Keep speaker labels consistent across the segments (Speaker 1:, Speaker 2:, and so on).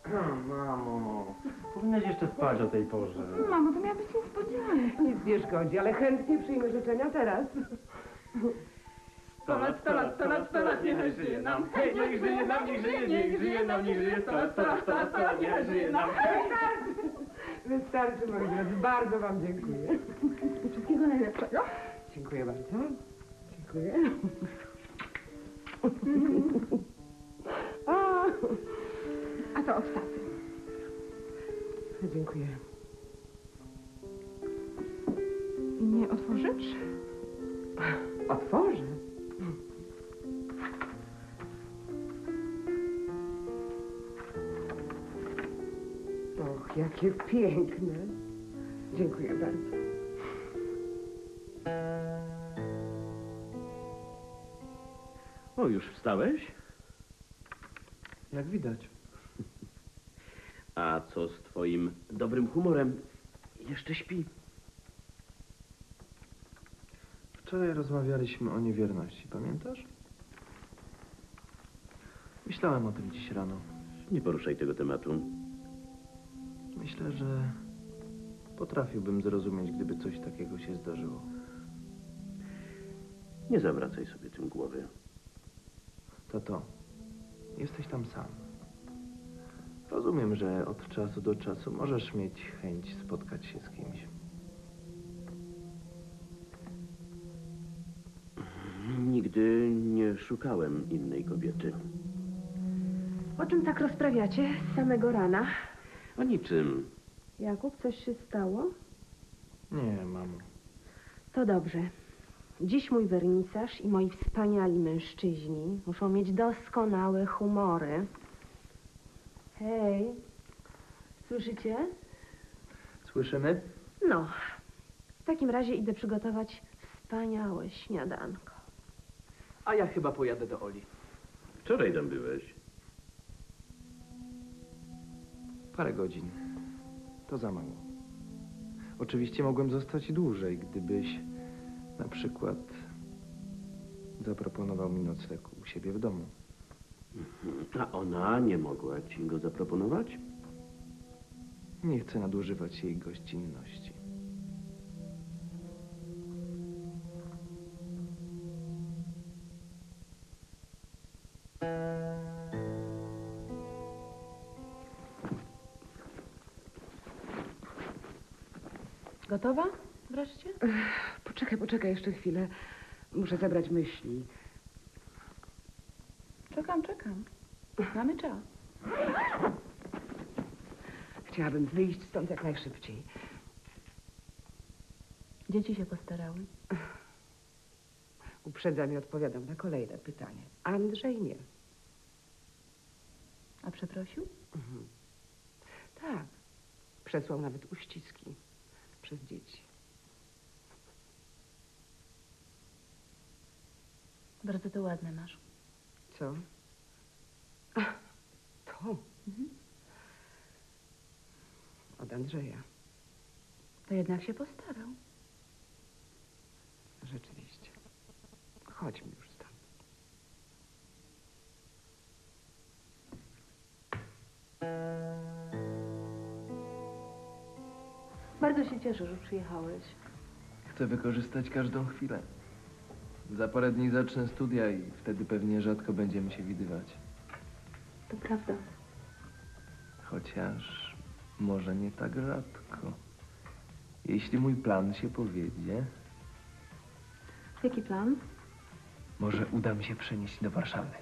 Speaker 1: No, mamo, powinnaś jeszcze spać o tej porze.
Speaker 2: Mamo, to miała być niespodzianka.
Speaker 3: Nic nie szkodzi, ale chętnie przyjmę życzenia teraz.
Speaker 2: 100 lat, 100 lat, 100 lat, 100 lat, niech żyje nam. Hej, niech żyje nam, niech żyje nam, niech żyje 100 lat, 100 lat, 100 lat, 100 lat, niech żyje nam.
Speaker 3: Wystarczy, moi drodzy. Bardzo wam dziękuję.
Speaker 2: Wszystkiego najlepszego.
Speaker 3: Dziękuję bardzo. Dziękuję.
Speaker 2: A to od taty.
Speaker 3: Dziękuję.
Speaker 2: Nie otworzysz?
Speaker 3: Otworzę. Och, jakie piękne. Dziękuję bardzo.
Speaker 1: O, już wstałeś?
Speaker 4: Jak widać.
Speaker 1: A co z twoim dobrym humorem? Jeszcze śpi.
Speaker 4: Wczoraj rozmawialiśmy o niewierności, pamiętasz? Myślałem o tym dziś rano.
Speaker 1: Nie poruszaj tego tematu.
Speaker 4: Myślę, że potrafiłbym zrozumieć, gdyby coś takiego się zdarzyło.
Speaker 1: Nie zawracaj sobie tym głowy.
Speaker 4: Tato, jesteś tam sam. Rozumiem, że od czasu do czasu możesz mieć chęć spotkać się z kimś.
Speaker 1: Nigdy nie szukałem innej kobiety.
Speaker 3: O czym tak rozprawiacie z samego rana?
Speaker 1: O niczym.
Speaker 3: Jakub, coś się stało?
Speaker 4: Nie, mamo.
Speaker 3: To dobrze. Dziś mój wernisaż i moi wspaniali mężczyźni muszą mieć doskonałe humory. Hej, słyszycie?
Speaker 4: Słyszymy?
Speaker 3: No, w takim razie idę przygotować wspaniałe śniadanko.
Speaker 4: A ja chyba pojadę do Oli.
Speaker 1: Wczoraj tam byłeś.
Speaker 4: Parę godzin. To za mało. Oczywiście mogłem zostać dłużej, gdybyś na przykład zaproponował mi nocleg u siebie w domu.
Speaker 1: A ona nie mogła ci go zaproponować?
Speaker 4: Nie chcę nadużywać jej gościnności.
Speaker 2: Gotowa wreszcie?
Speaker 3: Poczekaj jeszcze chwilę. Muszę zebrać myśli.
Speaker 2: Czekam. Mamy czas.
Speaker 3: Chciałabym wyjść stąd jak najszybciej.
Speaker 2: Dzieci się postarały.
Speaker 3: Uprzedzam i odpowiadam na kolejne pytanie. Andrzej nie.
Speaker 2: A przeprosił?
Speaker 3: Tak. Przesłał nawet uściski przez dzieci.
Speaker 2: Bardzo to ładne masz.
Speaker 3: Co? To? Od Andrzeja.
Speaker 2: To jednak się postarał.
Speaker 3: Rzeczywiście. Chodźmy już stąd.
Speaker 2: Bardzo się cieszę, że przyjechałeś.
Speaker 4: Chcę wykorzystać każdą chwilę. Za parę dni zacznę studia i wtedy pewnie rzadko będziemy się widywać.
Speaker 2: To prawda.
Speaker 4: Chociaż może nie tak rzadko. Jeśli mój plan się powiedzie,
Speaker 2: Jaki plan?
Speaker 4: może uda mi się przenieść do Warszawy.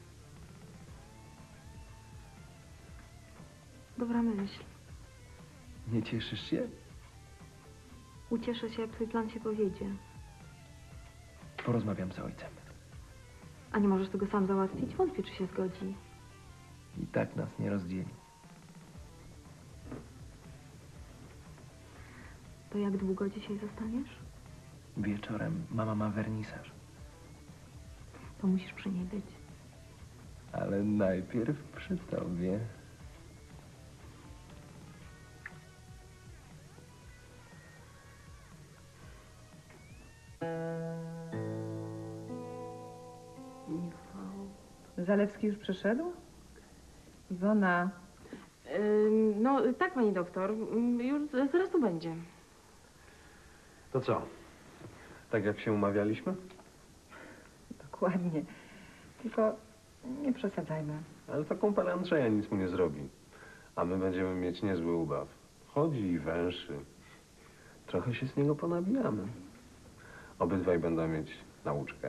Speaker 2: Dobra myśl.
Speaker 4: Nie cieszysz się?
Speaker 2: Ucieszę się, jak twój plan się powiedzie.
Speaker 4: Porozmawiam z ojcem.
Speaker 2: A nie możesz tego sam załatwić? Wątpię, czy się zgodzi.
Speaker 4: I tak nas nie rozdzieli.
Speaker 2: To jak długo dzisiaj zostaniesz?
Speaker 4: Wieczorem mama ma wernisaż.
Speaker 2: To musisz przy niej być.
Speaker 4: Ale najpierw przy tobie.
Speaker 5: Zalewski już przyszedł? Iwona,
Speaker 3: No, tak, pani doktor. Już zaraz tu będzie.
Speaker 2: To co? Tak jak się umawialiśmy?
Speaker 5: Dokładnie. Tylko nie przesadzajmy.
Speaker 2: Ale to kumpel Andrzeja nic mu nie zrobi. A my będziemy mieć niezły ubaw. Chodzi i węszy. Trochę się z niego ponabijamy. Obydwaj będą mieć nauczkę.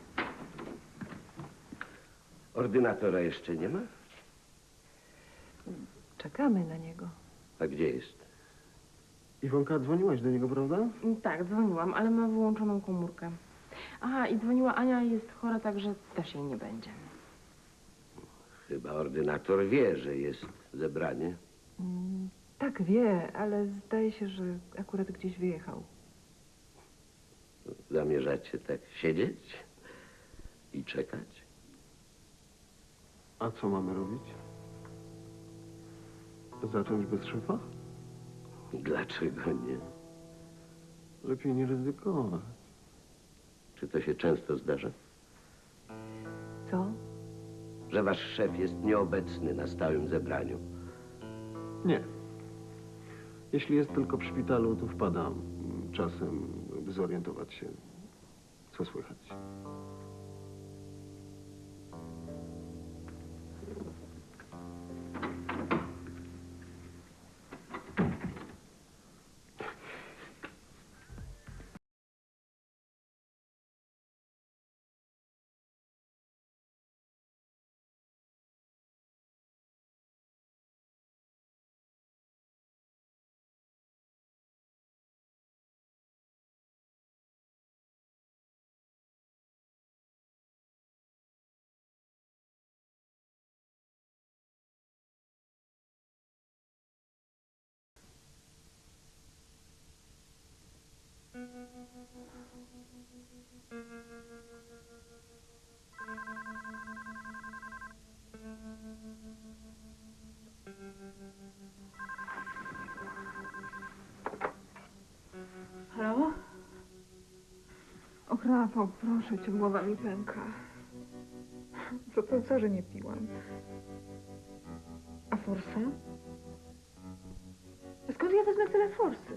Speaker 1: Ordynatora jeszcze nie ma?
Speaker 5: Czekamy na niego.
Speaker 1: A gdzie jest?
Speaker 2: Iwonka, dzwoniłaś do niego, prawda?
Speaker 3: Tak, dzwoniłam, ale ma wyłączoną komórkę. Aha, i dzwoniła Ania, jest chora, także też jej nie będzie.
Speaker 1: Chyba ordynator wie, że jest zebranie.
Speaker 5: Tak wie, ale zdaje się, że akurat gdzieś wyjechał.
Speaker 1: Zamierzacie tak siedzieć i czekać?
Speaker 2: A co mamy robić? Zacząć bez szefa?
Speaker 1: Dlaczego nie?
Speaker 2: Lepiej nie ryzykować.
Speaker 1: Czy to się często zdarza?
Speaker 5: Co?
Speaker 1: Że wasz szef jest nieobecny na stałym zebraniu?
Speaker 2: Nie. Jeśli jest tylko w szpitalu, to wpadam czasem, by zorientować się, co słychać.
Speaker 3: Halo?
Speaker 5: Och, Rafał, proszę cię, głowa mi pęka. Co, że nie piłam? A forsa? Skąd ja wezmę tyle forsy?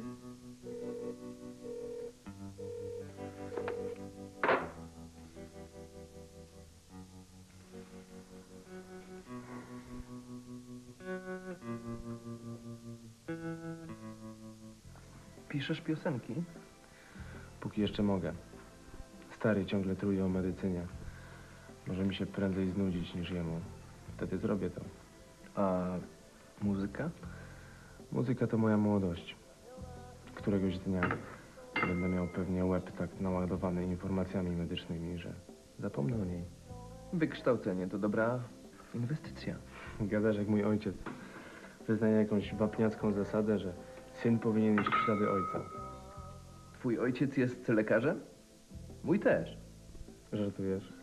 Speaker 4: Piszesz piosenki? Póki jeszcze mogę. Stary ciągle truje o medycynie. Może mi się prędzej znudzić niż jemu. Wtedy zrobię to. A muzyka? Muzyka to moja młodość. Któregoś dnia będę miał pewnie łeb tak naładowany informacjami medycznymi, że zapomnę o niej. Wykształcenie to dobra inwestycja. Gadasz jak mój ojciec. Wyznaje jakąś wapniacką zasadę, że syn powinien iść w ślady ojca. Twój ojciec jest lekarzem? Mój też. Żartujesz?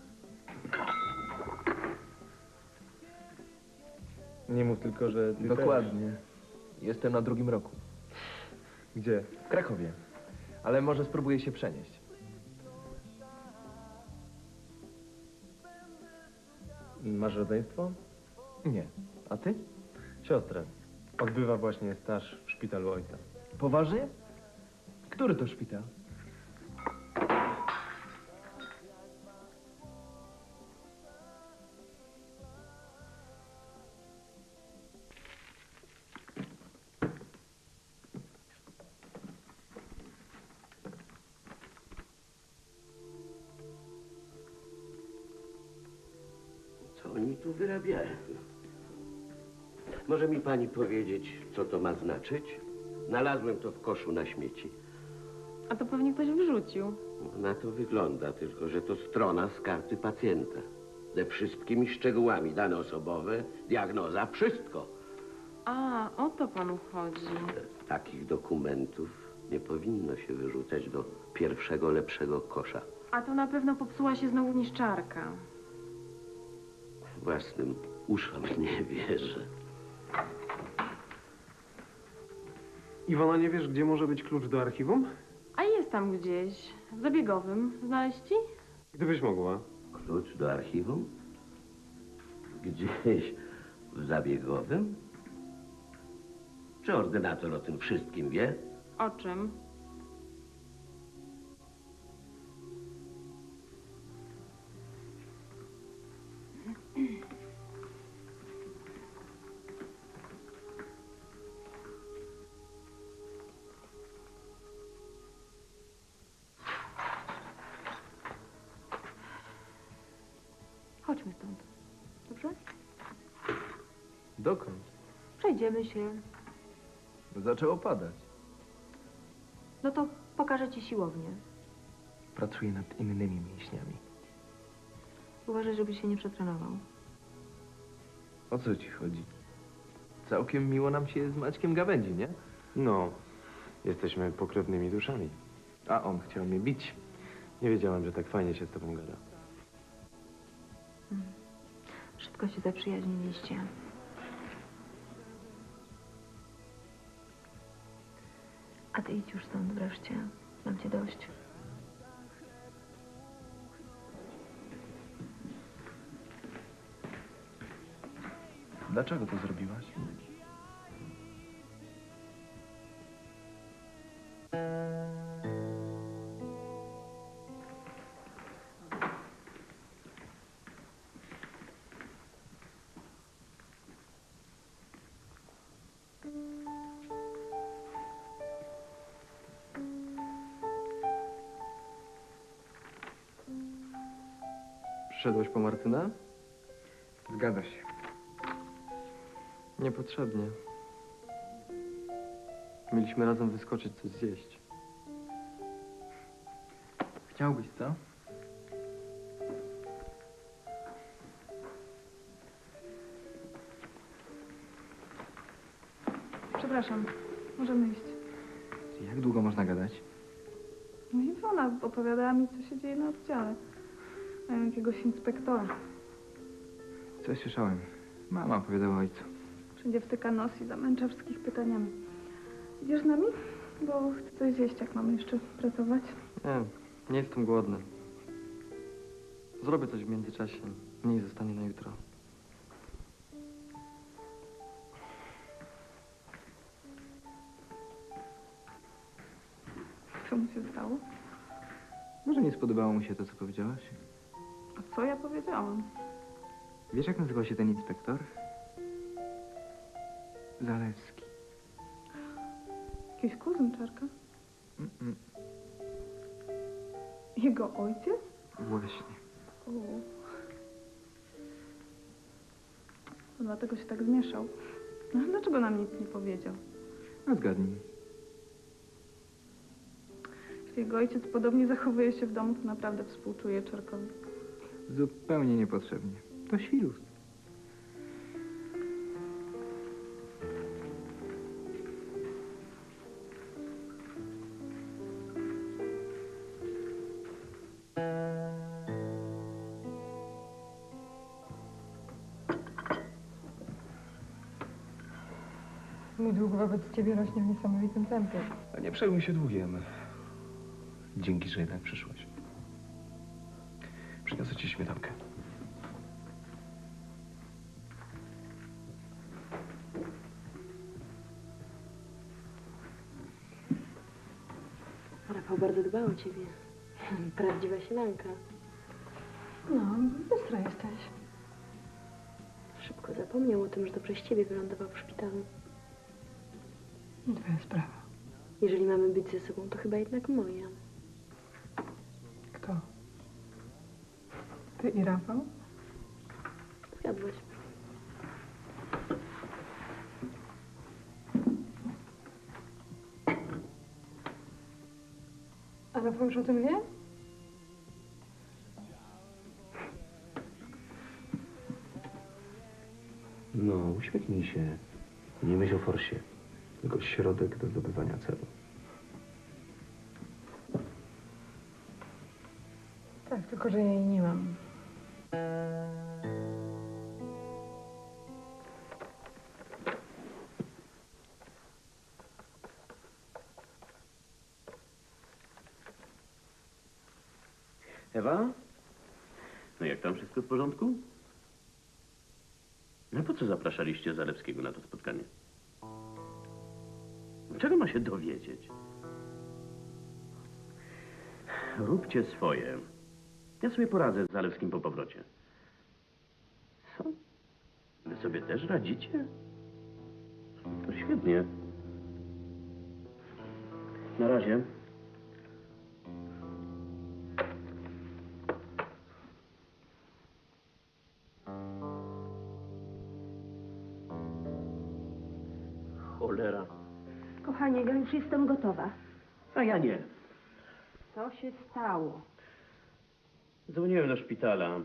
Speaker 4: Nie mów tylko, że ty
Speaker 6: Dokładnie.
Speaker 4: Też. Jestem na 2. roku. Gdzie? W Krakowie. Ale może spróbuję się przenieść. Masz rodzeństwo? Nie. A ty? Siostrę. Odbywa właśnie staż w szpitalu ojca. Poważnie? Który to szpital?
Speaker 1: Co oni tu wyrabiają? Może mi pani powiedzieć, co to ma znaczyć? Znalazłem to w koszu na śmieci.
Speaker 3: A to pewnie ktoś wyrzucił.
Speaker 1: Na to wygląda, tylko że to strona z karty pacjenta. Ze wszystkimi szczegółami, dane osobowe, diagnoza, wszystko.
Speaker 3: A, o to panu chodzi.
Speaker 1: Takich dokumentów nie powinno się wyrzucać do pierwszego, lepszego kosza.
Speaker 3: A to na pewno popsuła się znowu niszczarka.
Speaker 1: Własnym uszom nie wierzę.
Speaker 2: Iwona, nie wiesz, gdzie może być klucz do archiwum?
Speaker 3: A jest tam gdzieś, w zabiegowym. Znaleźć ci?
Speaker 2: Gdybyś mogła.
Speaker 1: Klucz do archiwum? Gdzieś w zabiegowym? Czy ordynator o tym wszystkim wie?
Speaker 3: O czym?
Speaker 5: Chodźmy stąd. Dobrze?
Speaker 4: Dokąd?
Speaker 5: Przejdziemy się.
Speaker 4: Zaczęło padać.
Speaker 5: No to pokażę ci siłownię.
Speaker 4: Pracuję nad innymi mięśniami.
Speaker 5: Uważaj, żebyś się nie przetrenował.
Speaker 4: O co ci chodzi? Całkiem miło nam się z Maćkiem gawędzi, nie?
Speaker 2: No, jesteśmy pokrewnymi duszami.
Speaker 4: A on chciał mnie bić.
Speaker 2: Nie wiedziałem, że tak fajnie się z tobą gada.
Speaker 5: Szybko się zaprzyjaźniliście. A ty idź już stąd wreszcie. Mam cię dość.
Speaker 4: Dlaczego to zrobiłaś? Przyszedłeś po Martyna?
Speaker 6: Zgadza się.
Speaker 4: Niepotrzebnie. Mieliśmy razem wyskoczyć coś zjeść.
Speaker 6: Chciałbyś, co?
Speaker 7: Przepraszam, możemy iść.
Speaker 6: Jak długo można gadać?
Speaker 7: No i ona opowiadała mi, co się dzieje na oddziale. Mają jakiegoś inspektora.
Speaker 6: Coś słyszałem. Mama opowiadała ojcu.
Speaker 7: Wszędzie wtyka nos i zamęcza wszystkich pytaniami. Idziesz z nami? Bo chcę coś zjeść, jak mamy jeszcze pracować.
Speaker 6: Nie jestem głodny. Zrobię coś w międzyczasie. Mniej zostanie na jutro.
Speaker 7: Co mu się stało?
Speaker 6: Może nie spodobało mu się to, co powiedziałaś?
Speaker 7: A co ja powiedziałam?
Speaker 6: Wiesz, jak nazywał się ten inspektor? Zalewski.
Speaker 7: Jakiś kuzyn Czarka?
Speaker 6: Mm-mm.
Speaker 7: Jego ojciec?
Speaker 6: Właśnie.
Speaker 7: O. To dlatego się tak zmieszał. No, a dlaczego nam nic nie powiedział?
Speaker 6: A zgadnij.
Speaker 7: Jeśli jego ojciec podobnie zachowuje się w domu, to naprawdę współczuję Czarkowi.
Speaker 6: Zupełnie niepotrzebnie. To świrus.
Speaker 5: Mój dług wobec ciebie rośnie w niesamowitym tempie.
Speaker 2: A nie przejmuj się długiem. Dzięki, że jednak przyszłaś. Przyniosę ci śmietankę.
Speaker 8: Rafał bardzo dba o ciebie. Prawdziwa sielanka.
Speaker 5: No, bystra jesteś.
Speaker 8: Szybko zapomniał o tym, że to przez ciebie wylądował w szpitalu.
Speaker 5: Twoja sprawa.
Speaker 8: Jeżeli mamy być ze sobą, to chyba jednak moja.
Speaker 5: Kto? Ty i Rafał?
Speaker 8: Zgadłaś.
Speaker 5: A Rafał już o tym wie?
Speaker 2: No, uśmiechnij się. Nie myśl o forsie. Tylko środek do zdobywania celu.
Speaker 5: Tak, tylko że ja jej nie mam.
Speaker 1: Ewa? No jak tam wszystko w porządku? No po co zapraszaliście Zalewskiego na to spotkanie? Czego ma się dowiedzieć? Róbcie swoje. Ja sobie poradzę z Zalewskim po powrocie. Co? Wy sobie też radzicie? To świetnie. Na razie. Cholera.
Speaker 8: Kochanie, ja już jestem gotowa.
Speaker 1: A ja nie.
Speaker 8: Co się stało?
Speaker 1: Dzwoniłem do szpitala.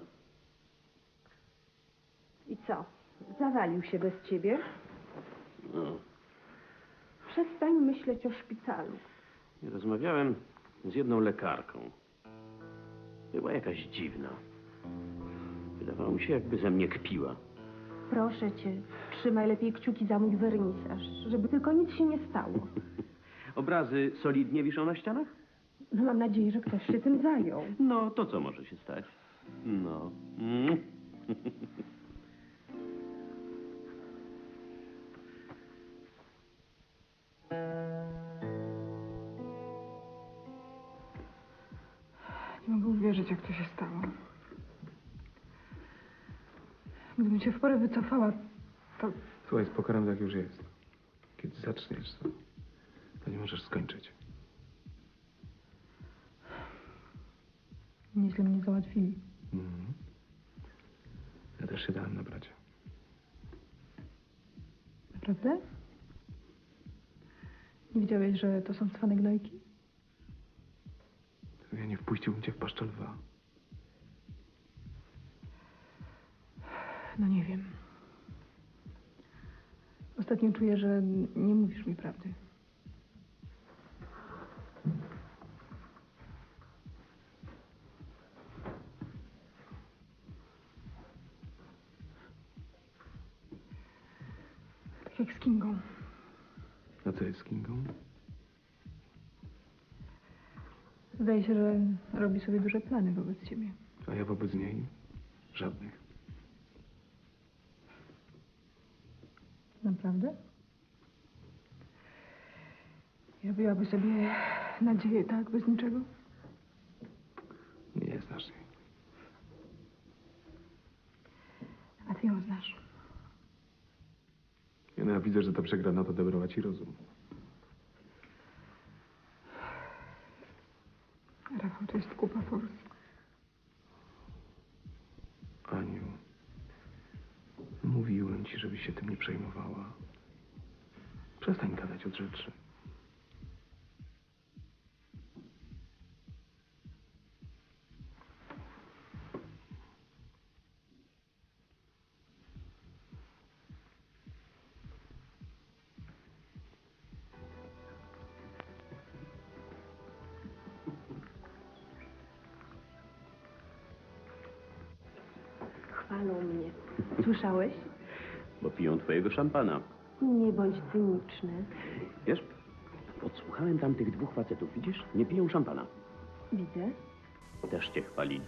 Speaker 8: I co? Zawalił się bez ciebie?
Speaker 1: No,
Speaker 8: Przestań myśleć o szpitalu.
Speaker 1: rozmawiałem z jedną lekarką. Była jakaś dziwna. Wydawało mi się, jakby ze mnie kpiła.
Speaker 8: Proszę cię, trzymaj lepiej kciuki za mój wernisaż, żeby tylko nic się nie stało.
Speaker 1: Obrazy solidnie wiszą na ścianach?
Speaker 8: No mam nadzieję, że ktoś się tym zajął.
Speaker 1: No, to co może się stać? No.
Speaker 5: Nie mogę uwierzyć, jak to się stało. Gdybym się w porę wycofała, to...
Speaker 2: Słuchaj, z pokorem tak już jest. Kiedy zaczniesz, to nie możesz skończyć.
Speaker 5: Nieźle mnie załatwili.
Speaker 2: Mhm. Ja też się dałem nabrać.
Speaker 5: Naprawdę? Nie wiedziałeś, że to są cwane gnojki?
Speaker 2: Ja nie wpuściłbym cię w paszczę lwa.
Speaker 5: No nie wiem. Ostatnio czuję, że nie mówisz mi prawdy. Tak jak z Kingą.
Speaker 2: A co jest z Kingą?
Speaker 5: Zdaje się, że robi sobie duże plany wobec ciebie.
Speaker 2: A ja wobec niej? Żadnych.
Speaker 5: Naprawdę? Robiłaby sobie nadzieję, tak? Bez niczego?
Speaker 2: Nie znasz jej.
Speaker 5: A ty ją znasz.
Speaker 2: Ja widzę, że ta przegrana to odebrała ci rozum.
Speaker 5: Rafał, to jest kupa fors.
Speaker 2: Aniu, mówiłem ci, żebyś się tym nie przejmowała. Przestań gadać od rzeczy.
Speaker 8: Chwalą mnie. Słyszałeś?
Speaker 1: Bo piją twojego szampana.
Speaker 8: Nie bądź cyniczny.
Speaker 1: Wiesz, odsłuchałem tam tych dwóch facetów, widzisz? Nie piją szampana.
Speaker 8: Widzę.
Speaker 1: Też cię chwalili.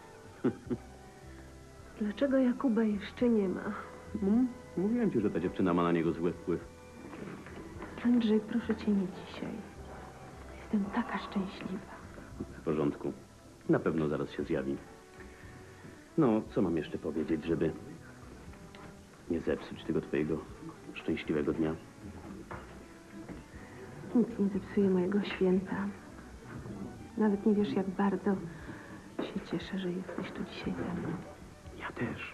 Speaker 8: Dlaczego Jakuba jeszcze nie ma?
Speaker 1: Mówiłem ci, że ta dziewczyna ma na niego zły wpływ.
Speaker 8: Andrzej, proszę cię nie dzisiaj. Jestem taka szczęśliwa.
Speaker 1: W porządku. Na pewno zaraz się zjawi. No, co mam jeszcze powiedzieć, żeby nie zepsuć tego twojego szczęśliwego dnia?
Speaker 8: Nic nie zepsuje mojego święta. Nawet nie wiesz, jak bardzo się cieszę, że jesteś tu dzisiaj ze mną.
Speaker 1: Ja też.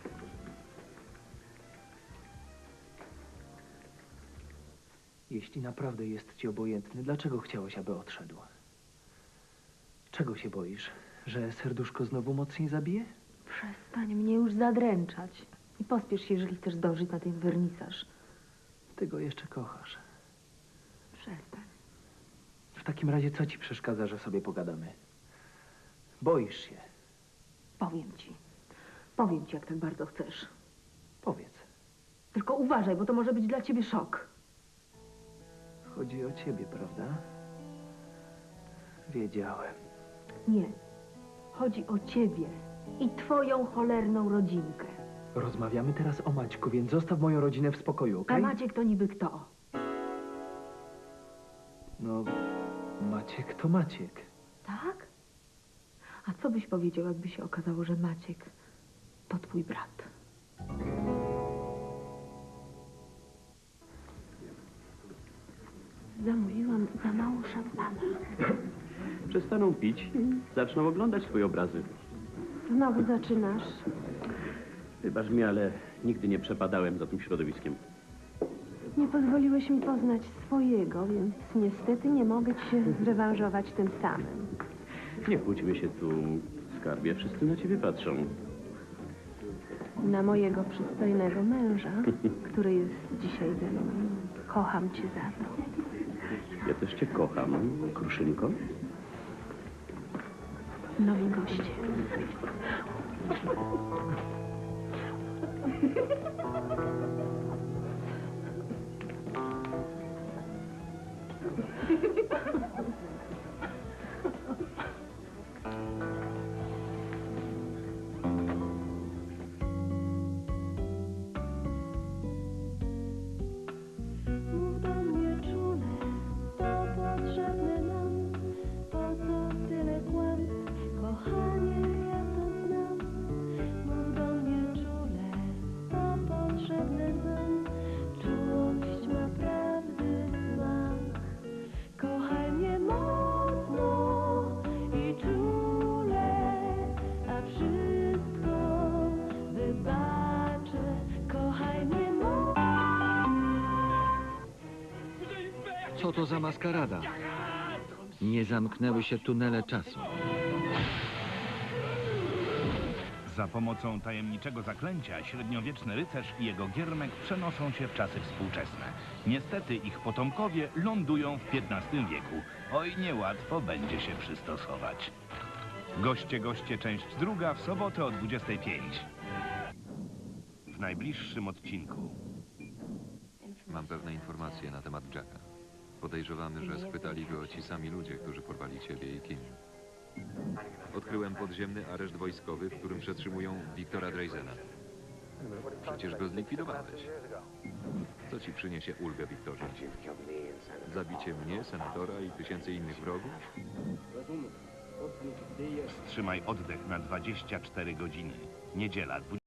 Speaker 9: Jeśli naprawdę jest ci obojętny, dlaczego chciałeś, aby odszedł? Czego się boisz? Że serduszko znowu mocniej zabije?
Speaker 8: Przestań mnie już zadręczać. I pospiesz się, jeżeli chcesz zdążyć na ten wernisaż.
Speaker 9: Ty go jeszcze kochasz.
Speaker 8: Przestań.
Speaker 9: W takim razie co ci przeszkadza, że sobie pogadamy? Boisz się.
Speaker 8: Powiem ci. Powiem ci, jak tak bardzo chcesz.
Speaker 9: Powiedz.
Speaker 8: Tylko uważaj, bo to może być dla ciebie szok.
Speaker 9: Chodzi o ciebie, prawda? Wiedziałem.
Speaker 8: Nie. Chodzi o ciebie i twoją cholerną rodzinkę.
Speaker 9: Rozmawiamy teraz o Maćku, więc zostaw moją rodzinę w spokoju,
Speaker 8: A
Speaker 9: okej?
Speaker 8: Maciek to niby kto?
Speaker 9: No, Maciek to Maciek.
Speaker 8: Tak? A co byś powiedział, jakby się okazało, że Maciek to twój brat? Zamówiłam za mało szampana.
Speaker 1: Przestaną pić, zaczną oglądać twoje obrazy.
Speaker 8: Znowu zaczynasz.
Speaker 1: Wybacz mi, ale nigdy nie przepadałem za tym środowiskiem.
Speaker 8: Nie pozwoliłeś mi poznać swojego, więc niestety nie mogę ci się zrewanżować tym samym.
Speaker 1: Nie kłóćmy się tu, skarbie. Wszyscy na ciebie patrzą.
Speaker 8: Na mojego przystojnego męża, który jest dzisiaj ze mną. Kocham cię za to.
Speaker 1: Ja też cię kocham, Kruszynko.
Speaker 8: Nowi goście.
Speaker 10: Mów do mnie czule, to potrzebne nam, po co tyle kłamstw, kochanie, ja to znam. Mów do mnie czule, to potrzebne nam, czułość ma prawdy smak. Kochaj mnie mocno i czule, a wszystko wybaczę. Kochaj mnie mocno.
Speaker 11: Co to za maskarada? Nie zamknęły się tunele czasu.
Speaker 12: Za pomocą tajemniczego zaklęcia średniowieczny rycerz i jego giermek przenoszą się w czasy współczesne. Niestety ich potomkowie lądują w XV wieku. Oj, niełatwo będzie się przystosować. Goście, część druga w sobotę o 25. W najbliższym odcinku.
Speaker 13: Mam pewne informacje na temat Jacka. Podejrzewamy, że schwytali go ci sami ludzie, którzy porwali ciebie i Kim. Odkryłem podziemny areszt wojskowy, w którym przetrzymują Wiktora Dreisena. Przecież go zlikwidowałeś. Co ci przyniesie ulgę, Wiktorze? Zabicie mnie, senatora i tysięcy innych wrogów?
Speaker 12: Wstrzymaj oddech na 24 godziny. Niedziela,